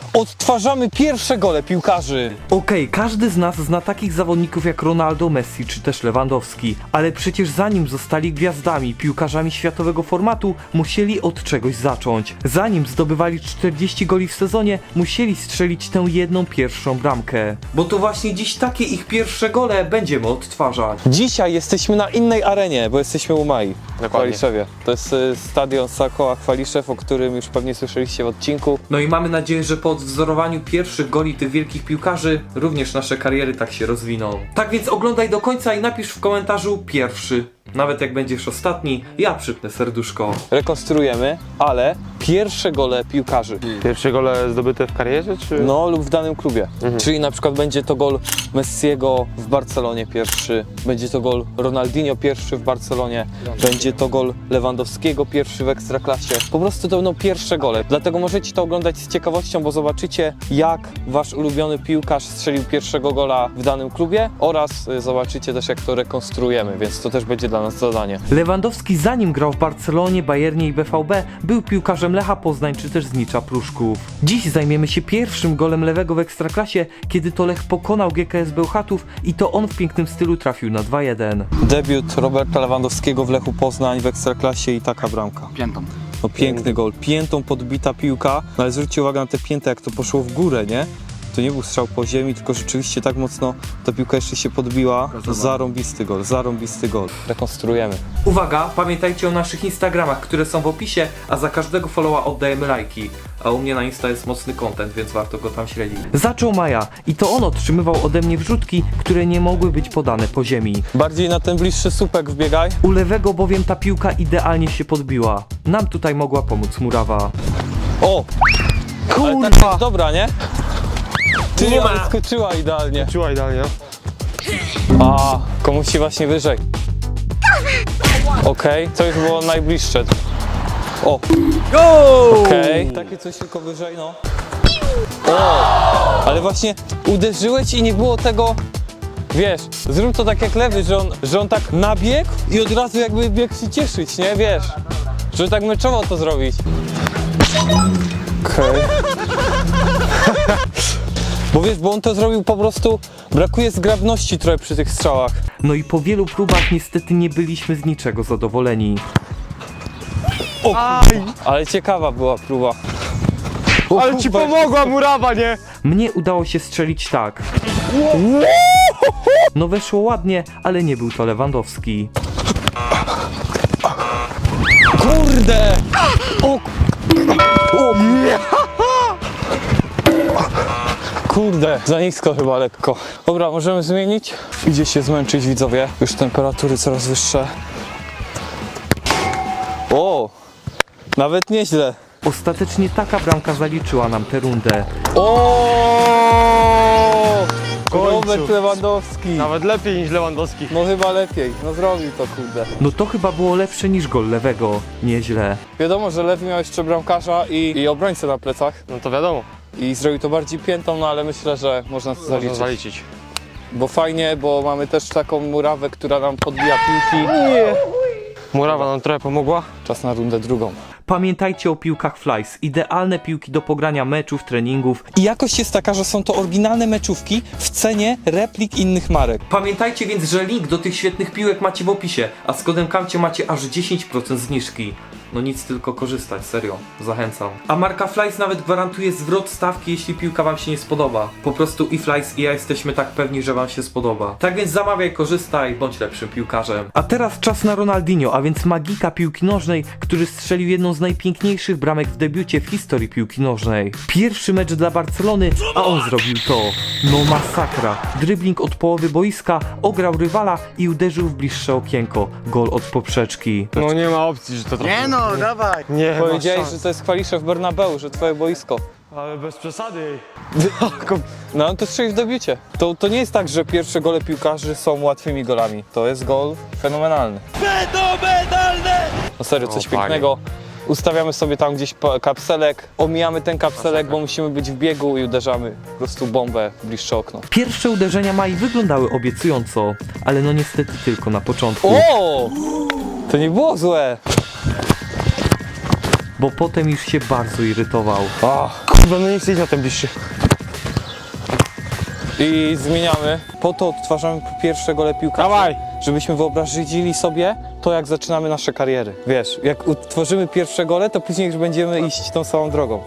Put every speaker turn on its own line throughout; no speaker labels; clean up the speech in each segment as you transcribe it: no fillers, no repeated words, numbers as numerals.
Odtwarzamy pierwsze gole piłkarzy.
Okej, każdy z nas zna takich zawodników jak Ronaldo, Messi czy też Lewandowski, ale przecież zanim zostali gwiazdami, piłkarzami światowego formatu, musieli od czegoś zacząć. Zanim zdobywali 40 goli w sezonie, musieli strzelić tę jedną pierwszą bramkę. Bo to właśnie dziś takie ich pierwsze gole będziemy odtwarzać.
Dzisiaj jesteśmy na innej arenie, bo jesteśmy u Mai w Chwaliszewie. To jest stadion Sakoła Chwaliszew, o którym już pewnie słyszeliście w odcinku.
No i mamy nadzieję, że po odwzorowaniu pierwszych goli tych wielkich piłkarzy również nasze kariery tak się rozwiną. Tak więc oglądaj do końca i napisz w komentarzu pierwszy. Nawet jak będziesz ostatni, ja przypnę serduszko.
Rekonstruujemy, ale pierwsze gole piłkarzy.
Pierwsze gole zdobyte w karierze, czy?
No lub w danym klubie. Czyli na przykład będzie to gol Messiego w Barcelonie pierwszy, będzie to gol Ronaldinho pierwszy w Barcelonie, będzie to gol Lewandowskiego pierwszy w Ekstraklasie. Po prostu to będą pierwsze gole. Dlatego możecie to oglądać z ciekawością, bo zobaczycie, jak wasz ulubiony piłkarz strzelił pierwszego gola w danym klubie oraz zobaczycie też, jak to rekonstruujemy, więc to też będzie dla nas zadanie.
Lewandowski zanim grał w Barcelonie, Bayernie i BVB, był piłkarzem Lecha Poznań czy też Znicza Pruszków. Dziś zajmiemy się pierwszym golem lewego w Ekstraklasie, kiedy to Lech pokonał GKS Bełchatów i to on w pięknym stylu trafił na 2-1.
Debiut Roberta Lewandowskiego w Lechu Poznań w Ekstraklasie i taka bramka.
Piętą.
No piękny gol, piętą podbita piłka, no ale zwróćcie uwagę na te pięty, jak to poszło w górę, nie? To nie był strzał po ziemi, tylko rzeczywiście tak mocno ta piłka jeszcze się podbiła. Zarąbisty gol, zarąbisty gol. Rekonstruujemy.
Uwaga, pamiętajcie o naszych Instagramach, które są w opisie, a za każdego followa oddajemy lajki. A u mnie na Insta jest mocny content, więc warto go tam śledzić. Zaczął Maja i to on otrzymywał ode mnie wrzutki, które nie mogły być podane po ziemi.
Bardziej na ten bliższy słupek wbiegaj.
U lewego bowiem ta piłka idealnie się podbiła. Nam tutaj mogła pomóc murawa.
O! Ale tak jest dobra, nie? Ty nie ma! Skoczyła idealnie.
Czuła idealnie.
A, komuś się właśnie wyżej. Okej, to już było najbliższe. O! Okej, takie coś tylko wyżej, no. O! Ale właśnie uderzyłeś i nie było tego. Wiesz, zrób to tak jak lewy, że on tak nabiegł i od razu jakby biegł się cieszyć, nie? Wiesz, żeby tak meczowo to zrobić. Okej. Bo wiesz, bo on to zrobił po prostu, brakuje zgrabności trochę przy tych strzałach.
No i po wielu próbach niestety nie byliśmy z niczego zadowoleni.
O, ale ciekawa była próba. O,
Ale ci pomogła murawa, nie?
Mnie udało się strzelić tak. No weszło ładnie, ale nie był to Lewandowski.
Kurde! O! O! Kurde, za nisko chyba lekko. Dobra, możemy zmienić? Idzie się zmęczyć, widzowie. Już temperatury coraz wyższe. O! Nawet nieźle.
Ostatecznie taka bramka zaliczyła nam tę rundę.
O!
końcu.
Robert Lewandowski.
Nawet lepiej niż Lewandowski.
No chyba lepiej. No zrobił to, kurde.
No to chyba było lepsze niż gol lewego. Nieźle.
Wiadomo, że Lew miał jeszcze bramkarza i obrońcę na plecach.
No to wiadomo.
I zrobił to bardziej piętą, no ale myślę, że można to
Można
zaliczyć.
zaliczyć.
Bo fajnie, bo mamy też taką murawę, która nam podbija piłki.
Murawa nam trochę pomogła.
Czas na rundę drugą.
Pamiętajcie o piłkach Flies. Idealne piłki do pogrania meczów, treningów.
I jakość jest taka, że są to oryginalne meczówki w cenie replik innych marek.
Pamiętajcie więc, że link do tych świetnych piłek macie w opisie, a z kodem KAMCIE macie aż 10% zniżki. No nic, tylko korzystać, serio, zachęcam. A marka Flies nawet gwarantuje zwrot stawki, jeśli piłka wam się nie spodoba. Po prostu i Flies i ja jesteśmy tak pewni, że wam się spodoba. Tak więc zamawiaj, korzystaj, bądź lepszym piłkarzem. A teraz czas na Ronaldinho, a więc magika piłki nożnej, który strzelił jedną z najpiękniejszych bramek w debiucie w historii piłki nożnej. Pierwszy mecz dla Barcelony, a on zrobił to. No masakra. Dribbling od połowy boiska, ograł rywala i uderzył w bliższe okienko. Gol od poprzeczki.
No nie ma opcji, że to trafi.
Nie no, dawaj!
Nie ma
Powiedziałeś,
szans.
że to jest Chwaliszew Bernabeu, że twoje boisko.
Ale bez przesady.
No on to strzelił w debiucie. To nie jest tak, że pierwsze gole piłkarzy są łatwymi golami. To jest gol fenomenalny. Fenomenalny! No serio, coś
O, panie.
pięknego. Ustawiamy sobie tam gdzieś kapselek, omijamy ten kapselek, bo musimy być w biegu i uderzamy po prostu bombę w bliższe okno.
Pierwsze uderzenia Mai wyglądały obiecująco, ale no niestety tylko na początku.
O! To nie było złe.
bo potem już się bardzo irytował.
Kurwa, no nie chcę iść na ten bliższy.
I zmieniamy. Po to odtwarzamy pierwsze gole piłkarzy.
Dawaj!
Żebyśmy wyobrazili sobie to, jak zaczynamy nasze kariery. Wiesz, jak utworzymy pierwsze gole, to później już będziemy iść tą samą drogą.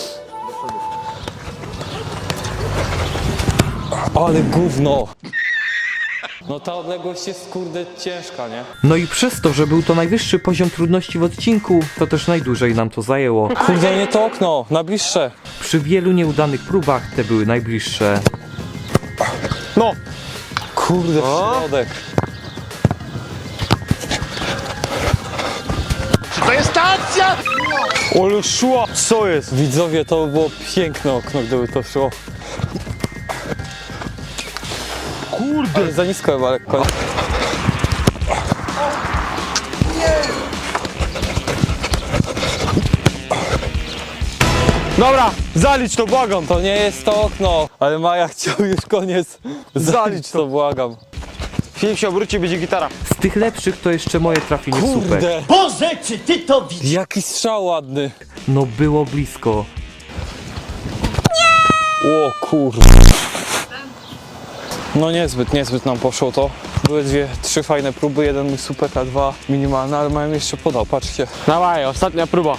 Ale gówno! No ta odległość jest kurde ciężka, nie?
No i przez to, że był to najwyższy poziom trudności w odcinku, to też najdłużej nam to zajęło.
Kurde, nie to okno, na bliższe.
Przy wielu nieudanych próbach te były najbliższe.
No!
Kurde, w środek.
Ale szła! Co jest?
Widzowie, to było piękne okno, gdyby to szło.
Kurde!
Ale za nisko chyba lekko.
Dobra, zalicz to, błagam!
To nie jest to okno, ale Maja chciał już koniec. Zalić to, błagam.
Film się obróci, będzie gitara.
Z tych lepszych to jeszcze moje trafienie w słupek.
Kurde,
Boże, czy ty to widzisz?
jaki strzał ładny.
No było blisko.
O kurde. No niezbyt nam poszło to. Były trzy fajne próby, jeden mój słupek, a dwa minimalne, ale mają jeszcze podał, patrzcie.
Dawaj, ostatnia próba.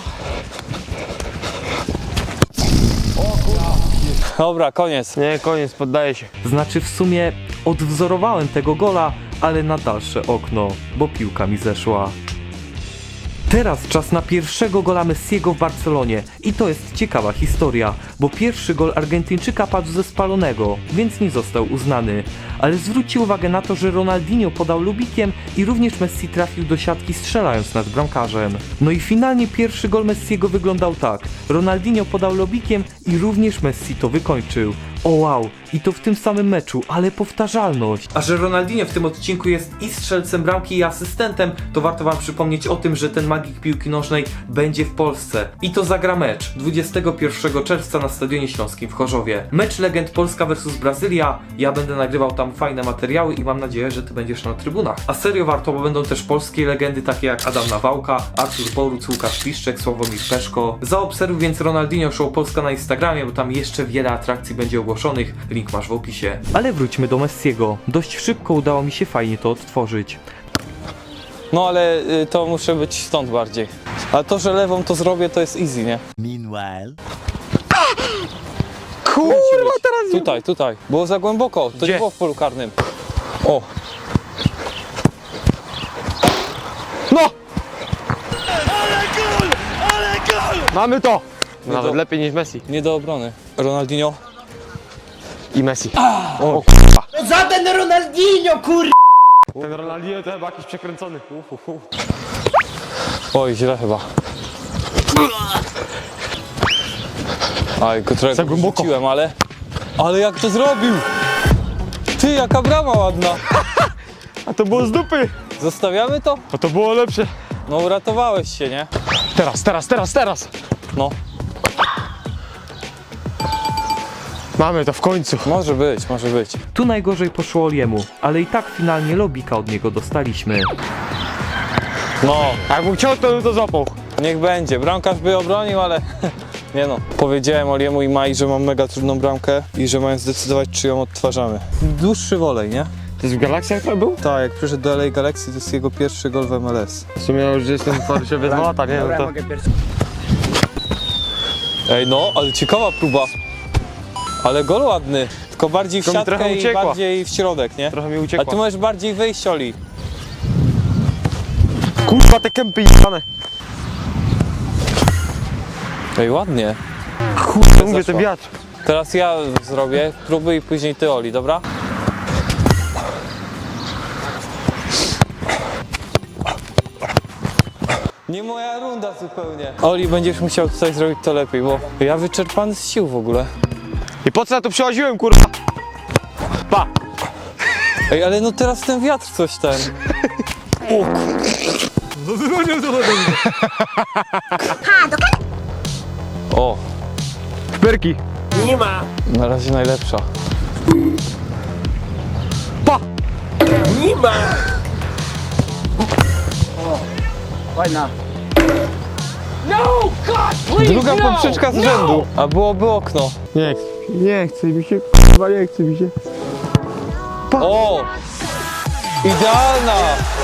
Dobra, koniec.
Nie, koniec, poddaję się.
Znaczy w sumie odwzorowałem tego gola, ale na dalsze okno, bo piłka mi zeszła. Teraz czas na pierwszego gola Messiego w Barcelonie i to jest ciekawa historia, bo pierwszy gol Argentyńczyka padł ze spalonego, więc nie został uznany. Ale zwróćcie uwagę na to, że Ronaldinho podał lubikiem i również Messi trafił do siatki strzelając nad bramkarzem. No i finalnie pierwszy gol Messiego wyglądał tak. Ronaldinho podał lobikiem i również Messi to wykończył. O wow, i to w tym samym meczu, ale powtarzalność. A że Ronaldinho w tym odcinku jest i strzelcem bramki i asystentem, to warto wam przypomnieć o tym, że ten magik piłki nożnej będzie w Polsce. I to zagra mecz 21 czerwca na Stadionie Śląskim w Chorzowie. Mecz legend Polska vs Brazylia. Ja będę nagrywał tam fajne materiały i mam nadzieję, że ty będziesz na trybunach. A serio warto, bo będą też polskie legendy takie jak Adam Nawałka, Artur Boruc, Łukasz Piszczek, Sławomir Peszko. Zaobserwuj więc Ronaldinho Show Polska na Instagramie, bo tam jeszcze wiele atrakcji będzie ogłoszonych. Link masz w opisie. Ale wróćmy do Messiego. Dość szybko udało mi się fajnie to odtworzyć.
No ale to muszę być stąd bardziej. Ale to, że lewą to zrobię, to jest easy, nie?
Meanwhile.
Kurwa, teraz
Tutaj. Było za głęboko, to
Gdzie?
nie było w polu karnym. O,
No! Mamy to! Nawet
to-
lepiej niż Messi.
nie do obrony. Ronaldinho.
I Messi.
O,
No żaden Ronaldinho, kur...
Ten Ronaldinho to chyba jakiś przekręcony.
Oj, źle chyba. Aj,
Za
trochę
głęboko.
rzuciłem, ale... Ale jak to zrobił? Ty, jaka brama ładna.
A to było z dupy!
Zostawiamy to?
A to było lepsze.
No uratowałeś się, nie?
Teraz!
No,
Mamy to w końcu.
może być.
Tu najgorzej poszło Oliemu, ale i tak finalnie lobika od niego dostaliśmy.
No,
Jakbym chciał, to bym to złapał.
niech będzie. Bramkarz by obronił, ale... Nie no. Powiedziałem Oliemu i Mai, że mam mega trudną bramkę i że mają zdecydować, czy ją odtwarzamy. Dłuższy wolej, nie?
To jest w Galaxy to był?
Tak, jak przyszedł do LA Galaxy, to jest jego pierwszy gol w MLS.
W sumie już jestem w Warszawie 2 lata, nie? No to...
Ej no, ale ciekawa próba. Ale gol ładny. Tylko bardziej w
Tylko mi trochę
siatkę i
uciekła.
bardziej w środek, nie?
Trochę mi
A
uciekło.
ty możesz bardziej wyjść, Oli.
Kurwa, te kępy jebane.
Ej, ładnie.
Kurde, mówię,
zeszła.
ten wiatr.
Teraz ja zrobię próby i później ty, Oli, dobra? Nie moja runda zupełnie. Oli, będziesz musiał tutaj zrobić to lepiej, bo ja wyczerpany z sił w ogóle.
I po co ja tu przychodziłem, kurwa? Pa!
Ej, ale no teraz ten wiatr coś ten. O,
Perki.
na razie najlepsza.
Pa!
Fajna.
Druga poprzeczka z rzędu, a byłoby okno.
Nie chce mi się, kurwa, nie chce mi się.
O! Idealna!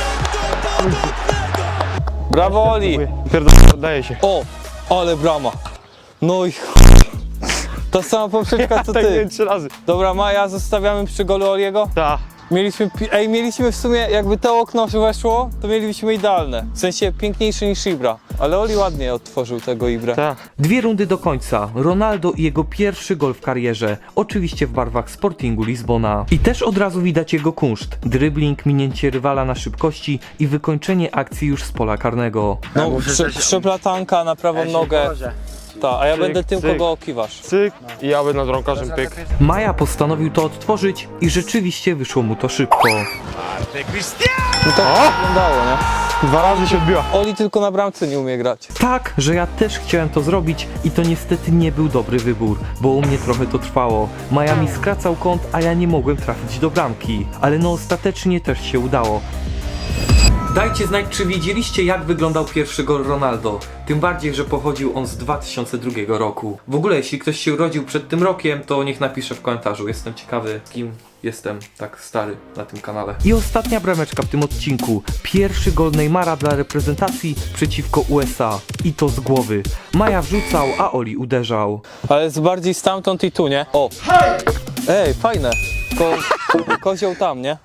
Brawo, Oli!
Daje się.
O! Ale brama. No i ta sama poprzeczka co
Tak
ty.
nie 3 razy.
Dobra, Maja, zostawiamy przy golu Oliego.
Ta.
Mieliśmy w sumie, jakby to okno weszło, to mieliśmy idealne. W sensie piękniejsze niż Ibra. Ale Oli ładnie otworzył tego Ibra.
Ta.
2 rundy do końca. Ronaldo i jego pierwszy gol w karierze. Oczywiście w barwach Sportingu Lizbona. I też od razu widać jego kunszt. Dribbling, minięcie rywala na szybkości i wykończenie akcji już z pola karnego.
No, przeplatanka na prawą nogę. Ta, a ja
Cyk,
będę tym,
cyk.
kogo okiwasz.
Cyk i ja będę drąkarzem pyk.
Maja postanowił to odtworzyć i rzeczywiście wyszło mu to szybko.
No tak wyglądało, nie?
2 razy się odbiła.
Oli tylko na bramce nie umie grać.
Tak, że ja też chciałem to zrobić i to niestety nie był dobry wybór, bo u mnie trochę to trwało. Maja mi skracał kąt, a ja nie mogłem trafić do bramki. Ale no ostatecznie też się udało. Dajcie znać, czy wiedzieliście, jak wyglądał pierwszy gol Ronaldo. Tym bardziej, że pochodził on z 2002 roku. W ogóle, jeśli ktoś się urodził przed tym rokiem, to niech napisze w komentarzu. Jestem ciekawy, kim jestem tak stary na tym kanale. I ostatnia brameczka w tym odcinku. Pierwszy gol Neymara dla reprezentacji przeciwko USA. I to z głowy. Maja wrzucał, a Oli uderzał.
Ale jest bardziej stamtąd i tu, nie? O! Ej, fajne. Kozioł tam, nie?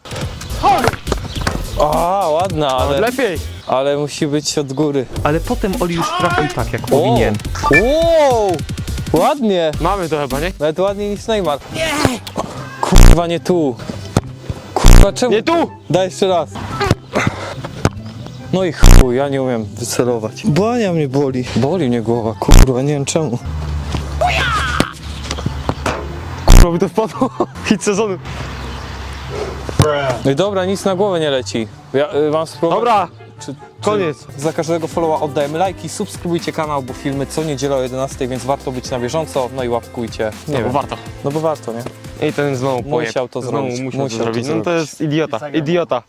A, ładna,
Lepiej.
ale musi być od góry.
Ale potem Oli już trafił tak, jak powinien.
Wow! Ładnie!
Mamy to chyba, nie?
Nawet ładniej niż Neymar. Kurwa, nie tu. Kurwa, czemu?
Nie tu!
Daj jeszcze raz. No i chuj, ja nie umiem wycelować. Bania mnie boli. Boli mnie głowa, kurwa, nie wiem czemu.
Kurwa mi to wpadło. Hit sezonu.
No i dobra, nic na głowę nie leci. Ja mam spróbować.
Dobra,
Czy
koniec.
za każdego followa oddajemy lajki, subskrybujcie kanał, bo filmy co niedzielę o 11, więc warto być na bieżąco, no i łapkujcie. Nie wiem.
Warto.
No bo warto, nie?
I ten znowu pojeb.
Musiał to
Znowu
zrobić.
musiał to zrobić. No to jest idiota. Idiota.